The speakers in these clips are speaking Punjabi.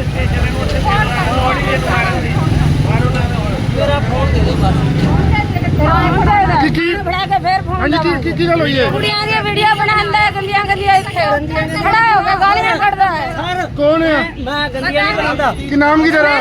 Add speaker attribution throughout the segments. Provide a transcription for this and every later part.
Speaker 1: मेरा फोन दे दो बस।
Speaker 2: की गल हुई है?
Speaker 3: कुड़ियां दी वीडियो बनांदा है, गंदियां गंदियां इत्थे खड़ा हो के गालियां कढदा है।
Speaker 2: कौन है?
Speaker 1: मैं गंदियां नहीं बनांदा।
Speaker 2: की नाम की तेरा?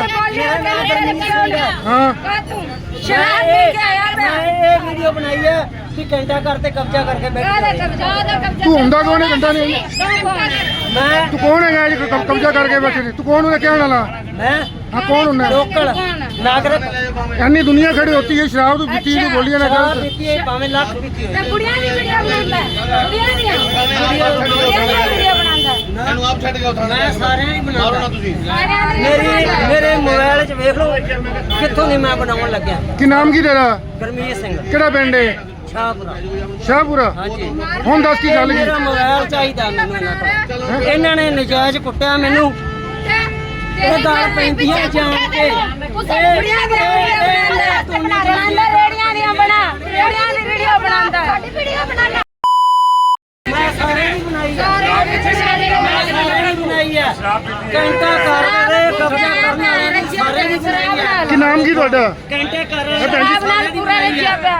Speaker 2: हाँ
Speaker 3: शराब पी के आया था।
Speaker 1: मैं ये वीडियो बनाई है कि घंटा करते कब्जा करके बैठे।
Speaker 2: तू हुंदा कौन है? घंटा नहीं
Speaker 1: मैं
Speaker 2: तू कौन है कब्जा करके बैठे ने? तू कौन है कहने वाला?
Speaker 1: मैं
Speaker 2: हाँ कौन होना?
Speaker 1: लोकल नागरिक।
Speaker 2: इतनी दुनिया खड़ी होती है, शराब तू पीती तू बोलिए ना
Speaker 1: शराब
Speaker 2: गलत।
Speaker 1: पीती है भाਵੇਂ ਲੱਖ पीती हो।
Speaker 3: कुड़ियां दी वीडियो बनांदा है, कुड़ियां दी वीडियो बनांदा है।
Speaker 4: ਇਹਨੂੰ ਆਪ ਛੱਡ ਕੇ ਉਠਾ
Speaker 1: मैं सारे ही बनाना
Speaker 4: ਤੁਸੀਂ
Speaker 1: मेरे मोबाइल च देख लो कित्थों नहीं मैं बनाउण लग्या।
Speaker 2: की नाम की तेरा?
Speaker 1: गरमीत सिंह
Speaker 2: केड़ा पिंड है?
Speaker 1: शाहपुरा।
Speaker 2: शाहपुरा।
Speaker 1: हाँ जी
Speaker 2: ਹੁਣ ਦੱਸ ਕੀ ਗੱਲ ਕੀ?
Speaker 1: मेरा मोबाइल चाहिए मैनू इन्हां ने नजायज कुੱਟਿਆ मैनू ਇਹ ਗੱਲ ਪੈਂਦੀਆਂ ਜਾਣ ਕੇ
Speaker 3: ਕੁੜੀਆਂ ਦੀ ਵੀਡੀਓ ਬਣਾਉਂਦਾ, ਰੇੜੀਆਂ ਦੀਆਂ ਬਣਾ, ਰੇੜੀਆਂ ਦੀ ਵੀਡੀਓ ਬਣਾਉਂਦਾ, ਸਾਡੀ ਵੀਡੀਓ ਬਣਾਉਂਦਾ।
Speaker 1: ਮੈਂ ਸਾਰੇ ਨਹੀਂ ਬਣਾਈ ਬਣਾਈ ਹੈ ਘੰਟਾ ਕਰ ਰਹੇ ਕਬਜ਼ਾ ਕਰਨ ਵਾਲੇ ਨੇ ਸਾਰੇ ਨਹੀਂ ਬਣਾਈ ਹੈ।
Speaker 2: ਕੀ ਨਾਮ ਕੀ ਤੁਹਾਡਾ?
Speaker 1: ਘੰਟੇ ਕਰ ਰਹੇ
Speaker 3: ਸ਼ਰਾਬ ਨਾਲ ਪੂਰਾ ਰੱਖਿਆ ਪਿਆ।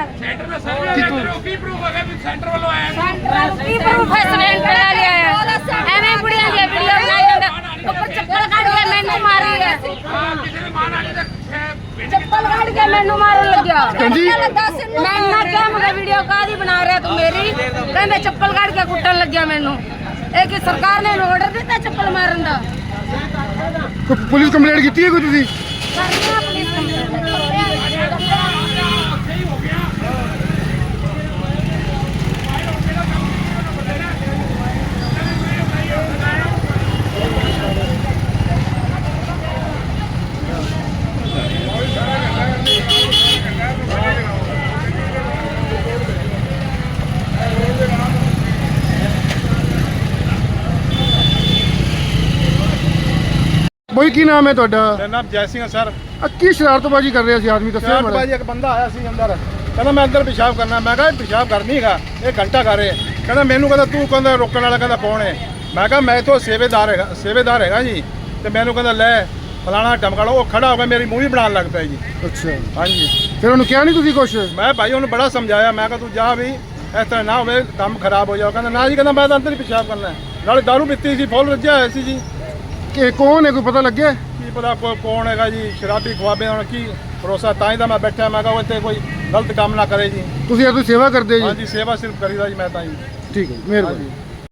Speaker 3: ਕੀ ਪ੍ਰੂਫ ਹੈ? ਸਿਲੰਡਰ ਲੈ ਲਿਆ ਐਵੇਂ ਕੁੜੀਆਂ ਦੀ ਵੀਡੀਓ ਬਣਾਈ ਜਾਂਦਾ, ਉੱਪਰ ਚੱਪਲ ਕੱਢ ਕੇ ਮੈਨੂੰ ਮਾਰੀ ਹੈ। ਚੱਪਲ ਕੱਢ ਕੇ ਮੈਨੂੰ ਮਾਰਨ ਲੱਗਿਆ।
Speaker 2: ਹਾਂਜੀ।
Speaker 3: ਮੈਂ ਨਾ ਕਿਹਾ ਮੈਂ ਵੀਡੀਓ ਕਾਹਦੀ ਬਣਾ ਰਿਹਾ ਤੂੰ ਮੇਰੀ? ਕਹਿੰਦੇ ਚੱਪਲ ਕੱਢ ਕੇ ਕੁੱਟਣ ਲੱਗਿਆ ਮੈਨੂੰ। ਇਹ ਕਿ ਸਰਕਾਰ ਨੇ ਆਰਡਰ ਦਿੱਤਾ ਚੱਪਲ ਮਾਰਨ ਦਾ?
Speaker 2: ਪੁਲਿਸ ਕੰਪਲੇਂਟ ਕੀਤੀ ਹੈ ਕੋਈ ਤੁਸੀਂ?
Speaker 3: ਕਰਨੀ ਆ ਪੁਲਿਸ ਕੰਪਲੇਂਟ।
Speaker 2: ਬਈ ਕੀ ਨਾਮ ਹੈ ਤੁਹਾਡਾ?
Speaker 5: ਮੇਰਾ ਨਾਮ ਜੈ ਸਿੰਘ ਹੈ ਸਰ।
Speaker 2: ਕੀ ਸ਼ਰਾਰਤਬਾਜ਼ੀ ਕਰ ਰਿਹਾ ਸੀ ਆਦਮੀ? ਦੱਸਿਆ
Speaker 5: ਸ਼ਰਾਬ
Speaker 2: ਮਾੜਾ।
Speaker 5: ਬਾਜੀ ਇੱਕ ਬੰਦਾ ਆਇਆ ਸੀ ਅੰਦਰ, ਕਹਿੰਦਾ ਮੈਂ ਅੰਦਰ ਪਿਸ਼ਾਬ ਕਰਨਾ। ਮੈਂ ਕਿਹਾ ਪਿਸ਼ਾਬ ਕਰਨੀ ਹੈਗਾ, ਇਹ ਘੰਟਾ ਕਰ ਰਹੇ। ਕਹਿੰਦਾ ਮੈਨੂੰ ਕਹਿੰਦਾ ਤੂੰ ਕਹਿੰਦਾ ਰੋਕਣ ਵਾਲਾ ਕਹਿੰਦਾ ਕੌਣ ਹੈ? ਮੈਂ ਕਿਹਾ ਮੈਂ ਤੋਂ ਸੇਵੇਦਾਰ ਹੈਗਾ ਜੀ। ਤੇ ਮੈਨੂੰ ਕਹਿੰਦਾ ਲੈ ਫਲਾਣਾ ਟਮਕਾਲਾ। ਉਹ ਖੜਾ ਹੋ ਕੇ ਮੇਰੀ ਮੂਵੀ ਬਣਾਉਣ ਲੱਗ ਪਿਆ ਜੀ।
Speaker 2: ਅੱਛਾ
Speaker 5: ਹਾਂਜੀ
Speaker 2: ਫਿਰ ਉਹਨੂੰ ਕਿਹਾ ਨਹੀਂ ਤੁਸੀਂ ਕੁਛ?
Speaker 5: ਮੈਂ ਭਾਈ ਉਹਨੂੰ ਬੜਾ ਸਮਝਾਇਆ। ਮੈਂ ਕਿਹਾ ਤੂੰ ਜਾ ਵੀ ਇਸ ਤਰ੍ਹਾਂ ਨਾ ਹੋਵੇ, ਕੰਮ ਖਰਾਬ ਹੋ ਜਾਓ। ਕਹਿੰਦਾ ਨਾ ਜੀ, ਕਹਿੰਦਾ ਮੈਂ ਤਾਂ ਅੰਦਰ ਹੀ ਪਿਸ਼ਾਬ ਕਰਨਾ ਹੈ। ਨਾਲੇ ਦਾਰੂ ਪੀਤੀ ਸੀ, ਫੁੱਲ ਰੱਜਿਆ ਹੋਇਆ ਸੀ ਜੀ।
Speaker 2: ਕਿ ਕੌਣ ਹੈ ਕੋਈ ਪਤਾ ਲੱਗਿਆ?
Speaker 5: ਕੀ ਪਤਾ ਕੌਣ ਹੈਗਾ ਜੀ? ਸ਼ਰਾਬੀ ਖਵਾਬੇ ਹੁਣ ਕੀ ਭਰੋਸਾ। ਤਾਂ ਹੀ ਤਾਂ ਮੈਂ ਬੈਠਾ। ਮੈਂ ਕਿਹਾ ਉਹ ਇੱਥੇ ਕੋਈ ਗਲਤ ਕੰਮ ਨਾ ਕਰੇ ਜੀ।
Speaker 2: ਤੁਸੀਂ ਇਹ ਸੇਵਾ ਕਰਦੇ ਜੀ?
Speaker 5: ਹਾਂਜੀ ਸੇਵਾ ਸਿਰਫ ਕਰੀਦਾ ਜੀ ਮੈਂ ਤਾਂ ਜੀ।
Speaker 2: ਠੀਕ ਹੈ, ਮਿਹਰਬਾਨੀ।